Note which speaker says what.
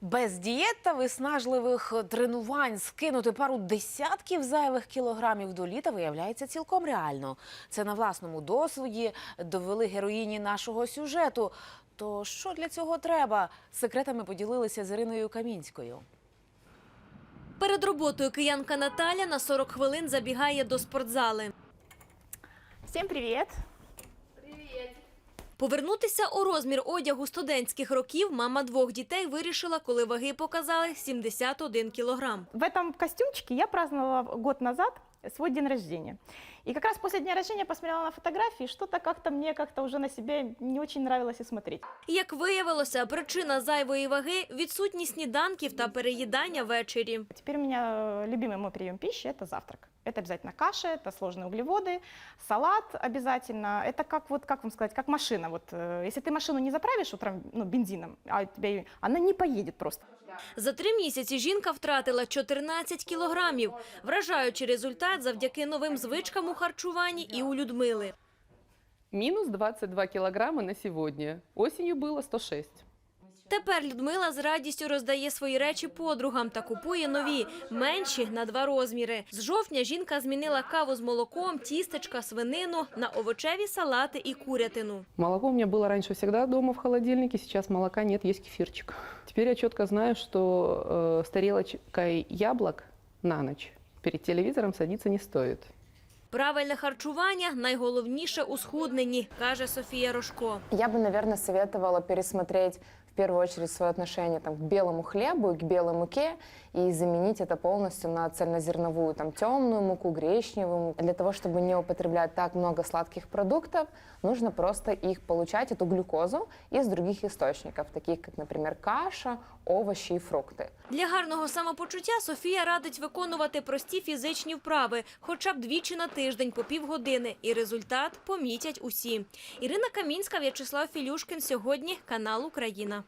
Speaker 1: Без дієт та виснажливих тренувань скинути пару десятків зайвих кілограмів до літа виявляється цілком реально. Це на власному досвіді довели героїні нашого сюжету. То що для цього треба? Секретами поділилися з Іриною Камінською.
Speaker 2: Перед роботою киянка Наталя на 40 хвилин забігає до спортзали.
Speaker 3: Всем привет!
Speaker 2: Повернутися у розмір одягу студентських років мама двох дітей вирішила, коли ваги показали 71 кілограм.
Speaker 3: В этом костюмчике я праздновала год назад свой день рождения. И как раз после дня рождения посмотрела на фотографии, что-то как-то мне уже на себе не очень нравилось и смотреть.
Speaker 2: Як виявилося, причина зайвої ваги – відсутність сніданків та переїдання ввечері.
Speaker 3: Теперь у меня любимый мой прием пищи – это завтрак. Это обязательно каша, это сложные углеводы, салат обязательно. Это как вам сказать, как машина. Если ты машину не заправишь утром бензином, она не поедет просто.
Speaker 2: За 3 місяці жінка втратила 14 кілограмів. Вражаючий результат завдяки новим звичкам у харчуванні і у Людмили.
Speaker 4: Минус 22 килограмма на сегодня. Осенью было 106.
Speaker 2: Тепер Людмила з радістю роздає свої речі подругам та купує нові, менші на 2 розміри. З жовтня жінка змінила каву з молоком, тістечка, свинину на овочеві салати і курятину.
Speaker 4: Молоко у меня было раньше всегда дома в холодильнике, сейчас молока нет, есть кефирчик. Теперь я четко знаю, что с тарелочкой яблок на ночь перед телевизором садиться не стоит.
Speaker 2: Правильне харчування – найголовніше у схудненні, каже Софія Рожко.
Speaker 5: Я бы, наверное, советовала пересмотреть в первую очередь свое отношение к белому хлебу и к белой муке и заменить это полностью на цельнозерновую, темную муку, гречневую. Для того, чтобы не употреблять так много сладких продуктов, нужно просто их получать, эту глюкозу, из других источников, таких как, например, каша, овощи и фрукты.
Speaker 2: Для гарного самопочуття Софія радить виконувати прості фізичні вправи, хоча б двічі на тиждень по півгодини, і результат помітять усі. Ірина Камінська, В'ячеслав Філюшкін. Сьогодні канал Україна.